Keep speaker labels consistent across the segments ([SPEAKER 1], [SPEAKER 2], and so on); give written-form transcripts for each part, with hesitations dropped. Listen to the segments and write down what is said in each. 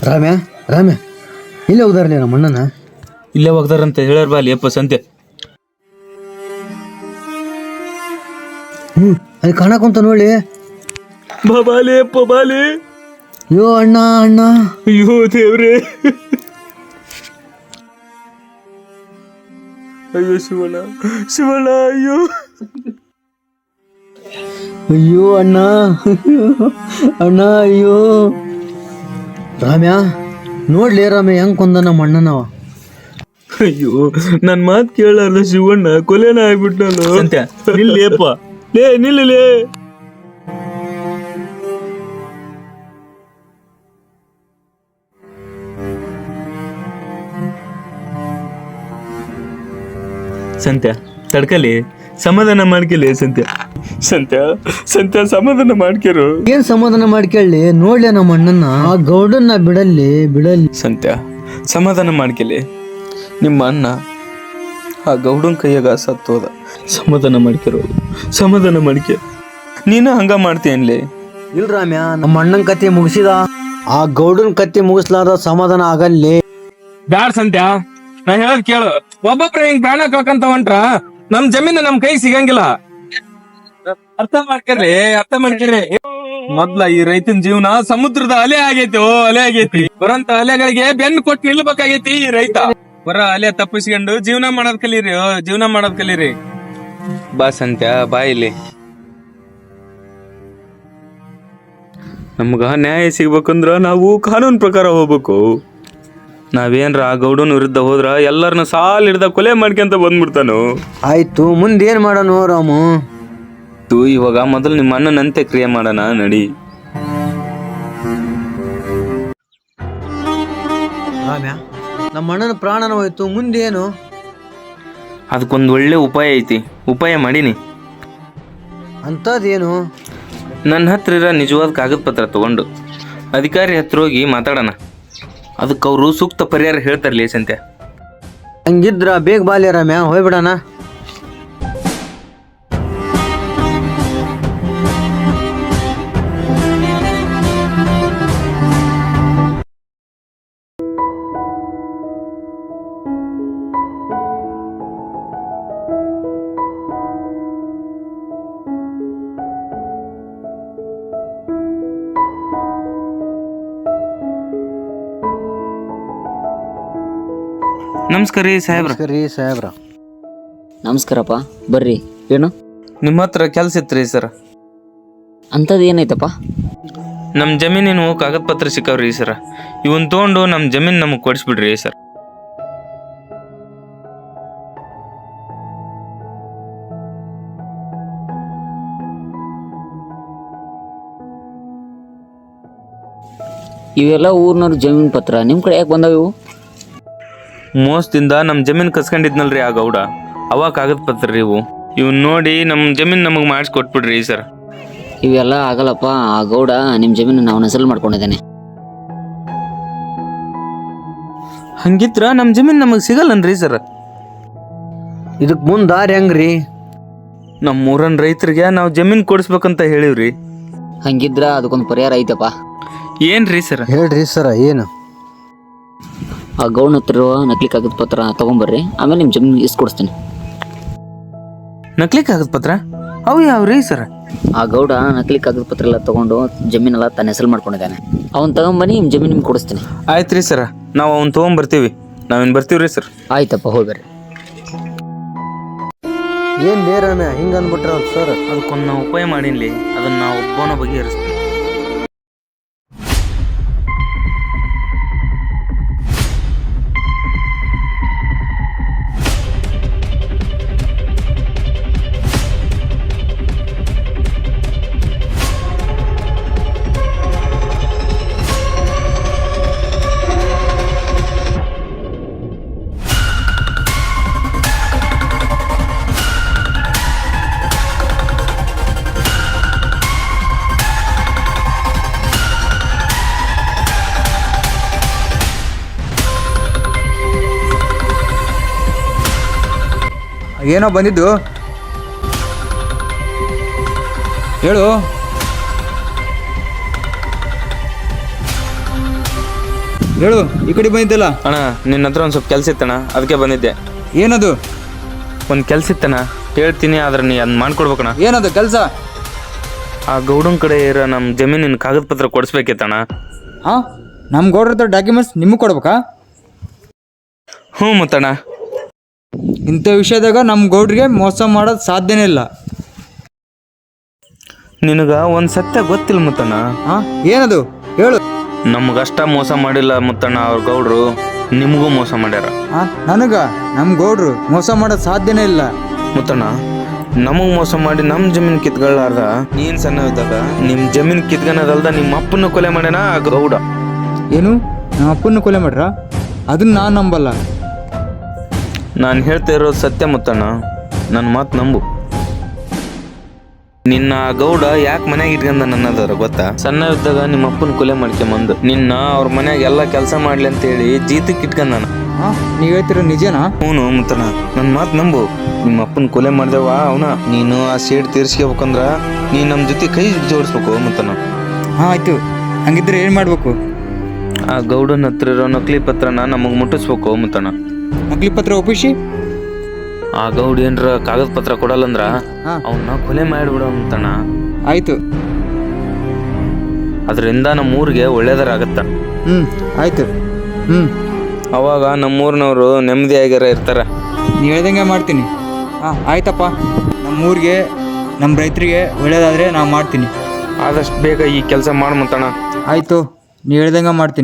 [SPEAKER 1] ರಾಮ್ಯ ರಾಮ್ಯ ಇಲ್ಲೇ ಹೋಗ್ದಾರಲ್ಲ ನಮ್ಮ ಅಣ್ಣನ.
[SPEAKER 2] ಇಲ್ಲೇ ಹೋಗ್ತಾರಂತ ಹೇಳ್ಯಾರ ಬಾ ಅಲ್ಲಿ ಅಪ್ಪ ಸಂತೆ.
[SPEAKER 1] ಅಲ್ಲಿ ಕಾಣಕುಂತ ನೋಡಿ.
[SPEAKER 2] ಬಾಲೆ ಅಪ್ಪ ಬಾಲೆ.
[SPEAKER 1] ಅಯ್ಯೋ ಅಣ್ಣ ಅಣ್ಣ,
[SPEAKER 2] ಅಯ್ಯೋ ದೇವ್ರೆ, ಅಯ್ಯೋ ಶಿವಣ್ಣ ಶಿವಣ್ಣ, ಅಯ್ಯೋ
[SPEAKER 1] ಅಯ್ಯೋ ಅಣ್ಣ ಅಣ್ಣ ಅಯ್ಯೋ. ರಾಮ್ಯ ನೋಡ್ಲಿ ರಾಮ್ಯ ಹೆಂಗ್ ಕೊಂದ ನಮ್ಮ ಅಣ್ಣನವ.
[SPEAKER 2] ಅಯ್ಯೋ ನನ್ ಮಾತ್ ಕೇಳಲ್ಲ ಶಿವಣ್ಣ ಕೊಲೆನ ಆಗ್ಬಿಟ್ನಲ್ಲ. ಸಂತ್ಯ ನಿಲ್ಲೇಪ್ಪ, ಲೇ ನಿಲ್ಲಲೇ. ಸಂತ್ಯ ತಡ್ಕಲಿ, ಸಮಾಧಾನ ಮಾಡ್ಕಲಿ ಸಂತ್ಯ. ಸಂತ್ಯ ಸಂತ್ಯ ಸಮಾಧಾನ ಮಾಡ್ಕ್ಯಾರು.
[SPEAKER 1] ಏನ್ ಸಮಾಧಾನ ಮಾಡ್ಕೊಳ್ಳಿ, ನೋಡ್ಲಿ ನಮ್ಮ ಅಣ್ಣನ. ಆ ಗೌಡನ್ನ ಬಿಡಲ್ಲಿ.
[SPEAKER 2] ಸಂತ್ಯ ಸಮಾಧಾನ ಮಾಡ್ಕಲಿ. ನಿಮ್ಮ ಅಣ್ಣ ಆ ಗೌಡನ್ ಕೈಯಾಗ ಸತ್ತೋದ. ಸಮಾಧಾನ ಮಾಡ್ಕಿರೋದು, ಸಮಾಧಾನ ಮಾಡ್ಕೆ. ನೀನು ಹಂಗ ಮಾಡ್ತೀಯನ್ಲಿ.
[SPEAKER 1] ಇಲ್ ರಾಮ್ಯ, ನಮ್ಮ ಅಣ್ಣನ ಕತೆ ಮುಗಿಸಿದ, ಆ ಗೌಡನ್ ಕತೆ ಮುಗಿಸ್ಲಾರ ಸಮಾಧಾನ ಆಗಲ್ಲಿ.
[SPEAKER 3] ಬ್ಯಾಡ್ ಸಂತ್ಯ, ನಾ ಹೇಳದ್ ಕೇಳು. ಒಬ್ಬೊಬ್ರ ಹಿಂಗ್ ಪ್ರಾಣ ಕಳ್ಕಂತ ಹೊಂಟ್ರ ನಮ್ ಜಮೀನು ನಮ್ ಕೈ ಸಿಗಂಗಿಲ್ಲ. ಅರ್ಥ ಮಾಡ್ಕೇರಿ. ಮೊದ್ಲ ಈ ರೈತನ ಜೀವನ ಸಮುದ್ರದ ಅಲೆ ಆಗೈತಿ. ಅಲೆ ಆಗೈತಿ. ಬರಂತ ಅಲೆಗಳಿಗೆ ಬೆನ್ನು ಕೊಟ್ಟು ನಿಲ್ಬೇಕಾಗೈತಿ ಈ ರೈತ. ಬರ ಅಲೆ ತಪ್ಪಿಸ್ಕೊಂಡು ಜೀವನ ಮಾಡೋದ್ ಕಲೀರಿ.
[SPEAKER 2] ಬಾ ಸಂತ್ಯ ಬಾ ಇಲ್ಲಿ. ನಮ್ಗ ನ್ಯಾಯ ಸಿಗ್ಬೇಕಂದ್ರ ನಾವು ಕಾನೂನು ಪ್ರಕಾರ ಹೋಗ್ಬೇಕು. ನಾವೇನ್ರ ಆ ಗೌಡನ ವಿರುದ್ಧ ಹೋದ್ರ ಎಲ್ಲರನ್ನ ಸಾಲ್ ಹಿಡ್ದ ಕೊಲೆ ಮಾಡ್ಕೊಂತ ಬಂದ್ಬಿಡ್ತಾನು.
[SPEAKER 1] ಆಯ್ತು, ಮುಂದೇನ್ ಮಾಡೋಣ ರಾಮು?
[SPEAKER 2] ಇವಾಗ ಮೊದಲು ನಿಮ್ಮ ಅಣ್ಣನಂತೆ ಕ್ರಿಯೆ ಮಾಡೋಣ ನಡಿ.
[SPEAKER 1] ರಾಮ್ಯ, ನಮ್ಮ ಅಣ್ಣನ ಪ್ರಾಣನ ಹೋಯ್ತು, ಮುಂದೇನು?
[SPEAKER 2] ಅದಕ್ಕೊಂದು ಒಳ್ಳೆ ಉಪಾಯ ಐತಿ, ಉಪಾಯ ಮಾಡೀನಿ.
[SPEAKER 1] ಅಂತದೇನು?
[SPEAKER 2] ನನ್ನ ಹತ್ರ ಇರೋ ನಿಜವಾದ ಕಾಗದ ಪತ್ರ ತಗೊಂಡು ಅಧಿಕಾರಿ ಹತ್ರ ಹೋಗಿ ಮಾತಾಡೋಣ. ಅದಕ್ಕೆ ಅವರು ಸೂಕ್ತ ಪರಿಹಾರ ಹೇಳ್ತಾರಲಿ ಸಂತ್ಯ.
[SPEAKER 1] ಹಂಗಿದ್ರ ಬೇಗ ಬಾಲ್ಯ ರಾಮ್ಯ, ಹೋಗ್ಬಿಡಣ.
[SPEAKER 2] ನಮಸ್ಕಾರ ರೀ ಸಾಹೇಬ್ರ.
[SPEAKER 1] ಸಾಹೇಬ್ರ
[SPEAKER 4] ನಮಸ್ಕಾರಪ್ಪ, ಬರ್ರಿ. ಏನು
[SPEAKER 2] ನಿಮ್ಮ ಹತ್ರ ಕೆಲಸ ಇತ್ರಿ ಸರ್?
[SPEAKER 4] ಅಂಥದ್ದು ಏನೈತಪ್ಪ?
[SPEAKER 2] ನಮ್ಮ ಜಮೀನಿನ ಕಾಗದ ಪತ್ರ ಸಿಕ್ಕವ್ರಿ ಸರ್. ಇವನ್ ತೊಗೊಂಡು ನಮ್ಮ ಜಮೀನು ನಮಗೆ ಕೊಡಿಸ್ಬಿಡ್ರಿ ಸರ್.
[SPEAKER 4] ಇವೆಲ್ಲ ಊರ್ನವ್ರ ಜಮೀನ್ ಪತ್ರ ನಿಮ್ಮ ಕಡೆ ಯಾಕೆ ಬಂದಾವ? ಇವು
[SPEAKER 2] ಮೋಸದಿಂದ ನಮ್ಮ ಜಮೀನು ಕಸ್ಕೊಂಡಿದ್ನಲ್ರಿ ಆ ಗೌಡ, ಅವ ಕಾಗದ ಪತ್ರ ರೀ ಇವು. ಇವನ್ ನೋಡಿ ನಮ್ಮ ಜಮೀನು ನಮಗೆ ಮಾಡಿಸ್ಕೊಟ್ಬಿಡ್ರಿ ಸರ್.
[SPEAKER 4] ಇವೆಲ್ಲ ಆಗಲ್ಲಪ್ಪ. ಆ ಗೌಡ ನಿಮ್ಮ ಜಮೀನು ನಾವು ಹೆಸರು ಮಾಡ್ಕೊಂಡಿದ್ದಾನೆ.
[SPEAKER 2] ಹಂಗಿದ್ರ ನಮ್ಮ ಜಮೀನು ನಮಗೆ ಸಿಗಲ್ಲನ್ರಿ ಸರ್.
[SPEAKER 1] ಇದಕ್ ಮುಂದ್ ದಾರಿ ಹೆಂಗ್ರಿ?
[SPEAKER 2] ನಮ್ಮ ಊರನ್ ರೈತರಿಗೆ ನಾವು ಜಮೀನು ಕೊಡಿಸ್ಬೇಕಂತ ಹೇಳಿವ್ರಿ.
[SPEAKER 4] ಹಂಗಿದ್ರ ಅದಕ್ಕೊಂದು ಪರಿಹಾರ ಐತಪ್ಪ.
[SPEAKER 2] ಏನ್ರಿ ಸರ್?
[SPEAKER 1] ಹೇಳ್ರಿ ಸರ, ಏನು?
[SPEAKER 4] ಆ ಗೌಡನ ಹತ್ರ ಇರುವ ನಕಲಿ ಕಾಗದ ಪತ್ರ ತಗೊಂಬರ್ರಿ, ಆಮೇಲೆ ನಿಮ್ಮ ಜಮೀನು ಇಸ್ಕೊಡಿಸ್ತೀನಿ.
[SPEAKER 2] ನಕಲಿ ಕಾಗದ ಪತ್ರ ಅವು ಯಾವ್ರಿ ಸರ್?
[SPEAKER 4] ಆ ಗೌಡ ನಕಲಿ ಕಾಗದ ಪತ್ರ ಎಲ್ಲ ತಗೊಂಡು ಜಮೀನೆಲ್ಲ ತನ್ನ ಹೆಸರು ಮಾಡ್ಕೊಂಡಿದ್ದಾನೆ. ಅವ್ನು ತಗೊಂಬನ್ನಿ, ನಿಮ್ಮ ಜಮೀನು ನಿಮ್ಗೆ ಕೊಡಿಸ್ತೀನಿ.
[SPEAKER 2] ಆಯ್ತು ರೀ ಸರ್, ನಾವು ಅವ್ನು ತೊಗೊಂಬರ್ತೀವಿ. ನಾವೇನು ಬರ್ತೀವ್ರಿ ಸರ್?
[SPEAKER 4] ಆಯ್ತಪ್ಪ, ಹೋಗ್ಬರ್ರಿ.
[SPEAKER 1] ಏನ್ ಲೇ ರಾಮ್ಯ ಹಿಂಗ ಅಂದ್ಬಿಟ್ರ ಸರ್?
[SPEAKER 2] ಅದಕ್ಕೊಂದು ನಾವು ಉಪಾಯ ಮಾಡೀನಿ, ಅದನ್ನ ನಾವು ಒಬ್ಬನ ಬಗೆಹರಿಸ್ತೀವಿ.
[SPEAKER 5] ಏನೋ ಬಂದಿದ್ದು ಹೇಳು. ಹೇಳು, ಈ ಕಡೆ ಬಂದಿದ್ದಲ್ಲ.
[SPEAKER 2] ಅಣ್ಣ ನಿನ್ನ ಹತ್ರ ಒಂದು ಸ್ವಲ್ಪ ಕೆಲಸ ಇತ್ತಣ್ಣ, ಅದಕ್ಕೆ ಬಂದಿದ್ದೆ.
[SPEAKER 5] ಏನದು?
[SPEAKER 2] ಒಂದು ಕೆಲಸ ಇತ್ತಣ್ಣ, ಹೇಳ್ತೀನಿ, ಆದ್ರೆ ನೀ ಅದನ್ನ ಮಾಡ್ಕೊಡ್ಬೇಕಣ್ಣ.
[SPEAKER 5] ಏನದು ಕೆಲಸ?
[SPEAKER 2] ಆ ಗೌಡನ್ ಕಡೆ ಇರೋ ನಮ್ಮ ಜಮೀನಿನ ಕಾಗದ ಪತ್ರ ಕೊಡಿಸ್ಬೇಕಿತ್ತಣ್ಣ.
[SPEAKER 5] ಹಾಂ, ನಮ್ಮ ಗೌಡ್ರ ಹತ್ರ ಡಾಕ್ಯುಮೆಂಟ್ಸ್ ನಿಮಗೆ ಕೊಡ್ಬೇಕಾ?
[SPEAKER 2] ಹ್ಞೂ ಮುತ್ತಣ್ಣ.
[SPEAKER 5] ಇಂಥ ವಿಷಯದಾಗ ನಮ್ಮ ಗೌಡ್ರಿಗೆ ಮೋಸ ಮಾಡೋದು ಸಾಧ್ಯನೇ ಇಲ್ಲ.
[SPEAKER 2] ನಿನಗೆ ಒಂದು ಸತ್ಯ ಗೊತ್ತಿಲ್ಲ ಮುತ್ತಣ್ಣ.
[SPEAKER 5] ಹಾಂ, ಏನದು ಹೇಳು.
[SPEAKER 2] ನಮಗಷ್ಟ ಮೋಸ ಮಾಡಿಲ್ಲ ಮುತ್ತಣ್ಣ, ಅವ್ರ ಗೌಡ್ರು ನಿಮಗೂ ಮೋಸ ಮಾಡ್ಯಾರ.
[SPEAKER 5] ಹಾಂ, ನಮ್ಮ ಗೌಡ್ರು ಮೋಸ ಮಾಡೋದು ಸಾಧ್ಯನೇ ಇಲ್ಲ.
[SPEAKER 2] ಮುತ್ತಣ್ಣ, ನಮಗ್ ಮೋಸ ಮಾಡಿ ನಮ್ಮ ಜಮೀನು ಕಿತ್ಕೊಳ್ಳಾರ್ದ ನೀನ್ ಸಣ್ಣ ಇದ್ದಾಗ ನಿಮ್ಮ ಜಮೀನು ಕಿತ್ಕೊಳೋದಲ್ದ ನಿಮ್ಮ ಅಪ್ಪನ ಕೊಲೆ ಮಾಡ್ಯಾನ ಆ ಗೌಡ.
[SPEAKER 5] ಏನು, ನಮ್ಮ ಅಪ್ಪನ ಕೊಲೆ ಮಾಡ್ರ? ಅದನ್ನ ನಾನು ನಂಬಲ್ಲ.
[SPEAKER 2] ನಾನು ಹೇಳ್ತಾ ಇರೋದು ಸತ್ಯ ಮುತ್ತಣ್ಣ, ನನ್ನ ಮಾತು ನಂಬು. ನಿನ್ನ ಆ ಗೌಡ ಯಾಕೆ ಮನ್ಯಾಗ ಇಟ್ಕೊಂಡ ನನ್ನದರ ಗೊತ್ತಾ? ಸಣ್ಣ ಇದ್ದಾಗ ನಿಮ್ಮ ಅಪ್ಪನ ಕೊಲೆ ಮಾಡ್ಕೊಂಬಂದು ನಿನ್ನ ಅವ್ರ ಮನ್ಯಾಗ ಎಲ್ಲ ಕೆಲಸ ಮಾಡ್ಲಿ ಅಂತೇಳಿ ಜೀತಕ್ಕೆ ಇಟ್ಕೊಂಡಾನ.
[SPEAKER 5] ಹಾಂ, ನೀವು ಹೇಳ್ತಿರೋ ನಿಜನಾ?
[SPEAKER 2] ಹ್ಞೂ ಮುತ್ತಣ್ಣ, ನನ್ನ ಮಾತು ನಂಬು. ನಿಮ್ಮ ಅಪ್ಪನ ಕೊಲೆ ಮಾಡ್ದೇವ ಅವನ, ನೀನು ಆ ಸೇಡ್ ತೀರ್ಸ್ಕೋಬೇಕಂದ್ರ ನೀನು ನಮ್ಮ ಜೊತೆ ಕೈ ಜೋಡಿಸ್ಬೇಕು ಮುತ್ತಣ್ಣ.
[SPEAKER 5] ಹಾಂ, ಆಯಿತು. ಹಂಗಿದ್ರೆ ಏನು ಮಾಡಬೇಕು?
[SPEAKER 2] ಆ ಗೌಡನ ಹತ್ರ ಇರೋ ನಕಲಿ ಪತ್ರನ ನಮಗೆ ಮುಟ್ಟಿಸ್ಬೇಕು ಮುತ್ತಣ್ಣ.
[SPEAKER 5] ನಕಲಿ ಪತ್ರ ಒಪ್ಪಿಸಿ
[SPEAKER 2] ಆ ಗೌಡ ಏನ್ರ ಕಾಗದ ಪತ್ರ ಕೊಡಲ್ಲಂದ್ರ
[SPEAKER 5] ಹಾಂ,
[SPEAKER 2] ಅವನ್ನ ಕೊಲೆ ಮಾಡಿಬಿಡೋ ಮುತ್ತಣ್ಣ.
[SPEAKER 5] ಆಯಿತು.
[SPEAKER 2] ಅದರಿಂದ ನಮ್ಮೂರಿಗೆ ಒಳ್ಳೇದರ ಆಗತ್ತ.
[SPEAKER 5] ಆಯಿತು.
[SPEAKER 2] ಅವಾಗ ನಮ್ಮೂರಿನವರು ನೆಮ್ಮದಿಯಾಗ್ಯಾರ ಇರ್ತಾರ.
[SPEAKER 5] ನೀವು ಹೇಳ್ದಂಗೆ ಮಾಡ್ತೀನಿ. ಹಾಂ, ಆಯ್ತಪ್ಪ. ನಮ್ಮೂರಿಗೆ, ನಮ್ಮ ರೈತರಿಗೆ ಒಳ್ಳೇದಾದರೆ ನಾವು ಮಾಡ್ತೀನಿ.
[SPEAKER 2] ಆದಷ್ಟು ಬೇಗ ಈ ಕೆಲಸ ಮಾಡು ಮುತ್ತಣ್ಣ.
[SPEAKER 5] ಆಯಿತು, ನೀವು ಹೇಳ್ದಂಗೆ ಮಾಡ್ತೀನಿ.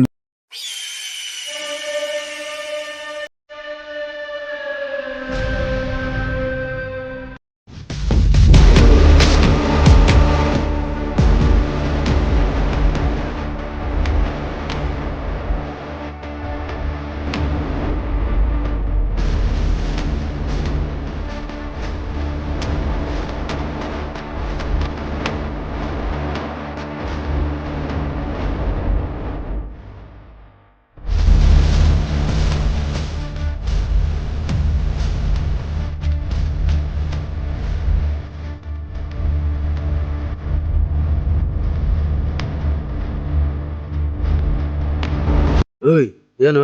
[SPEAKER 1] ಏನು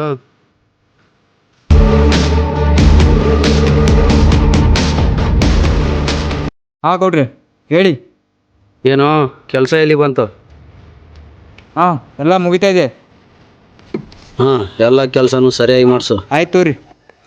[SPEAKER 5] ಹಾಂ ಗೌಡ್ರಿ, ಹೇಳಿ.
[SPEAKER 1] ಏನೋ ಕೆಲಸ ಎಲ್ಲಿ ಬಂತು?
[SPEAKER 5] ಹಾಂ, ಎಲ್ಲ ಮುಗಿತಾ ಇದೆ.
[SPEAKER 1] ಹಾಂ, ಎಲ್ಲ ಕೆಲಸನೂ ಸರಿಯಾಗಿ ಮಾಡಿಸು.
[SPEAKER 5] ಆಯ್ತು ರೀ.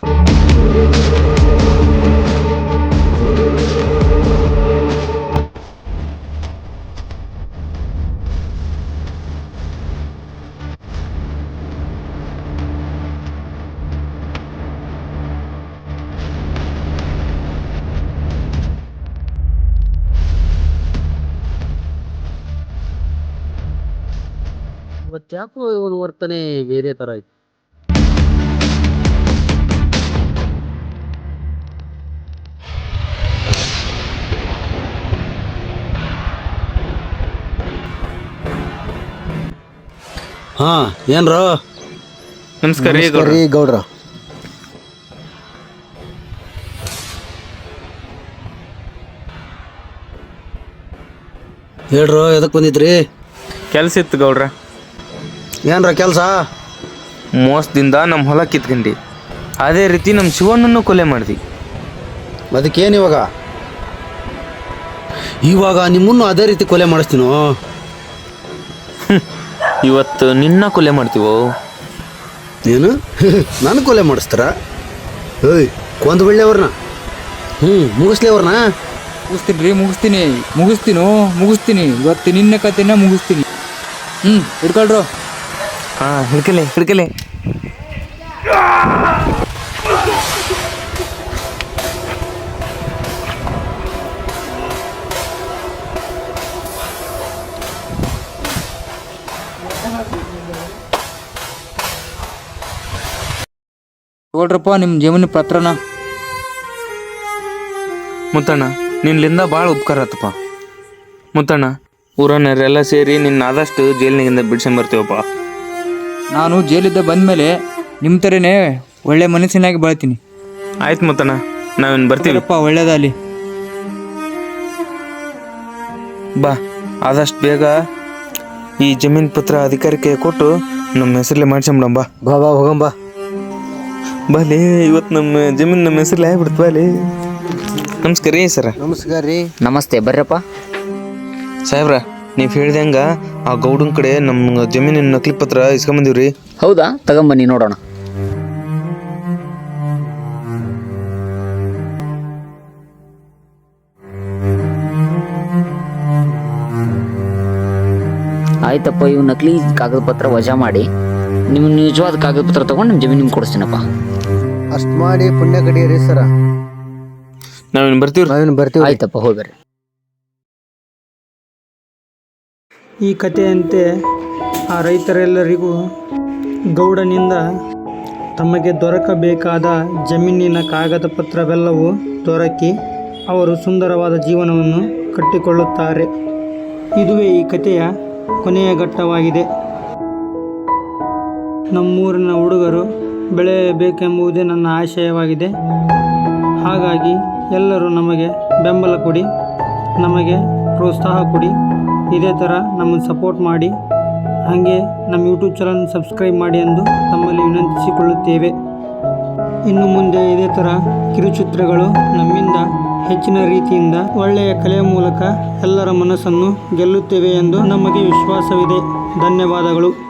[SPEAKER 1] ಇವತ್ತ್ಯಾಕೋ ಇವನು ವರ್ತನೆ ಬೇರೆ ಥರ ಆಯ್ತು. ಹಾಂ, ಏನ್ರೋ?
[SPEAKER 2] ನಮಸ್ಕಾರ ರೀ
[SPEAKER 1] ನಮಸ್ಕಾರ ರೀ ಗೌಡ್ರ. ಹೇಳ್ರೋ, ಎದಕ್ಕೆ ಬಂದಿದ್ರಿ?
[SPEAKER 2] ಕೆಲಸ ಇತ್ತು ಗೌಡ್ರ.
[SPEAKER 1] ಏನ್ರ ಕೆಲಸ?
[SPEAKER 2] ಮೋಸದಿಂದ ನಮ್ಮ ಹೊಲ ಕಿತ್ಕೊಂಡಿ, ಅದೇ ರೀತಿ ನಮ್ಮ ಶಿವಣ್ಣನ್ನು ಕೊಲೆ ಮಾಡ್ದಿ.
[SPEAKER 1] ಅದಕ್ಕೇನು ಇವಾಗ? ಇವಾಗ ನಿಮ್ಮನ್ನು ಅದೇ ರೀತಿ ಕೊಲೆ ಮಾಡಿಸ್ತೀನೋ?
[SPEAKER 2] ಇವತ್ತು ನಿನ್ನ ಕೊಲೆ ಮಾಡ್ತೀವೋ?
[SPEAKER 1] ಏನು ನಾನು ಕೊಲೆ ಮಾಡಿಸ್ತಾರ? ಏಯ್, ಕೊಂದು ಬಿಡ್ಲಿ ಅವ್ರನ್ನ. ಮುಗಿಸ್ಲಿ ಅವ್ರನ್ನ.
[SPEAKER 5] ಮುಗಿಸ್ತೀನಿ ರೀ, ಮುಗಿಸ್ತೀನಿ. ಇವತ್ತು ನಿನ್ನ ಕತೆನ ಮುಗಿಸ್ತೀನಿ. ಹಿಡ್ಕೊಳ್ರು.
[SPEAKER 2] ಹಾಂ, ಹಿಡ್ಕಲೆ.
[SPEAKER 5] ನೋಡ್ರಪ್ಪ ನಿಮ್ಮ ಜಮೀನು ಪತ್ರನ.
[SPEAKER 2] ಮುತ್ತಣ್ಣ, ನಿನ್ನಿಂದ ಭಾಳ ಉಪಕಾರ ಆತಪ್ಪ. ಮುತ್ತಣ್ಣ, ಊರನ್ನರೆಲ್ಲ ಸೇರಿ ನಿನ್ನ ಆದಷ್ಟು ಜೈಲಿನಿಂದ ಬಿಡ್ಸಂಬರ್ತೀವಪ್ಪ.
[SPEAKER 5] ನಾನು ಜೈಲಿದ್ದ ಬಂದಮೇಲೆ ನಿಮ್ಮ ಥರನೇ ಒಳ್ಳೆ ಮನಸ್ಸಿನಾಗಿ ಬಾಳ್ತೀನಿ.
[SPEAKER 2] ಆಯ್ತು ಮುತ್ತಣ್ಣ, ನಾವಿನ್ನು ಬರ್ತೀವಪ್ಪ.
[SPEAKER 5] ಒಳ್ಳೇದಾಗಲಿ.
[SPEAKER 2] ಬಾ, ಆದಷ್ಟು ಬೇಗ ಈ ಜಮೀನು ಪತ್ರ ಅಧಿಕಾರಕ್ಕೆ ಕೊಟ್ಟು ನಮ್ಮ ಹೆಸರಲ್ಲೇ ಮಾಡ್ಸಂಬಿಡಂಬ.
[SPEAKER 1] ಬಾ ಬಾ ಹೋಗಂಬ.
[SPEAKER 2] ಬಾಲೇ ಇವತ್ತು ನಮ್ಮ ಜಮೀನು ನಮ್ಮ ಹೆಸರಲ್ಲೇ ಆಗ್ಬಿಡ್ತು ಬಾಲೇ. ನಮಸ್ಕಾರ ರೀ ಸರ.
[SPEAKER 1] ನಮಸ್ಕಾರ ರೀ.
[SPEAKER 4] ನಮಸ್ತೆ, ಬರ್ರಪ್ಪ.
[SPEAKER 2] ಸಾಹೇಬ್ರ, ನೀವು ಹೇಳ್ದಂಗ ಆ ಗೌಡನ ಕಡೆ ನಮ್ಮ ಜಮೀನಿನ ನಕಲಿ ಪತ್ರ ಇಸ್ಕೊಂಬಂದಿವ್ರಿ.
[SPEAKER 4] ಹೌದಾ? ತಗೊಂಬನ್ನಿ ನೋಡೋಣ. ಆಯ್ತಪ್ಪ, ಇವು ನಕಲಿ ಕಾಗದ ಪತ್ರ ವಜಾ ಮಾಡಿ ನಿಮ್ಮ ನಿಜವಾದ ಕಾಗದ ಪತ್ರ ತಗೊಂಡು ನಿಮ್ಮ ಜಮೀನು ನಿಮ್ಗೆ ಕೊಡಿಸ್ತೀನಪ್ಪ.
[SPEAKER 1] ಅಷ್ಟ್ ಮಾಡಿ ಪುಣ್ಯ ಕಡಿಯರಿ ಸರ.
[SPEAKER 2] ನಾವೇನು ಬರ್ತೀವ್ರಿ.
[SPEAKER 1] ನಾವೇನು ಬರ್ತೀವಿ.
[SPEAKER 4] ಆಯ್ತಪ್ಪ, ಹೋಗ್ಬರ್ರಿ.
[SPEAKER 6] ಈ ಕಥೆಯಂತೆ ಆ ರೈತರೆಲ್ಲರಿಗೂ ಗೌಡನಿಂದ ತಮಗೆ ದೊರಕಬೇಕಾದ ಜಮೀನಿನ ಕಾಗದ ಪತ್ರವೆಲ್ಲವೂ ದೊರಕಿ ಅವರು ಸುಂದರವಾದ ಜೀವನವನ್ನು ಕಟ್ಟಿಕೊಳ್ಳುತ್ತಾರೆ. ಇದುವೇ ಈ ಕಥೆಯ ಕೊನೆಯ ಘಟ್ಟವಾಗಿದೆ. ನಮ್ಮೂರಿನ ಹುಡುಗರು ಬೆಳೆಯಬೇಕೆಂಬುದೇ ನನ್ನ ಆಶಯವಾಗಿದೆ. ಹಾಗಾಗಿ ಎಲ್ಲರೂ ನಮಗೆ ಬೆಂಬಲ ಕೊಡಿ, ನಮಗೆ ಪ್ರೋತ್ಸಾಹ ಕೊಡಿ. ಇದೇ ಥರ ನಮ್ಮನ್ನು ಸಪೋರ್ಟ್ ಮಾಡಿ, ಹಾಗೆ ನಮ್ಮ ಯೂಟ್ಯೂಬ್ ಚಾನಲ್ ಸಬ್ಸ್ಕ್ರೈಬ್ ಮಾಡಿ ಎಂದು ತಮ್ಮಲ್ಲಿ ವಿನಂತಿಸಿಕೊಳ್ಳುತ್ತೇವೆ. ಇನ್ನು ಮುಂದೆ ಇದೇ ಥರ ಕಿರುಚಿತ್ರಗಳು ನಮ್ಮಿಂದ ಹೆಚ್ಚಿನ ರೀತಿಯಿಂದ ಒಳ್ಳೆಯ ಕಲೆಯ ಮೂಲಕ ಎಲ್ಲರ ಮನಸ್ಸನ್ನು ಗೆಲ್ಲುತ್ತೇವೆ ಎಂದು ನಮಗೆ ವಿಶ್ವಾಸವಿದೆ. ಧನ್ಯವಾದಗಳು.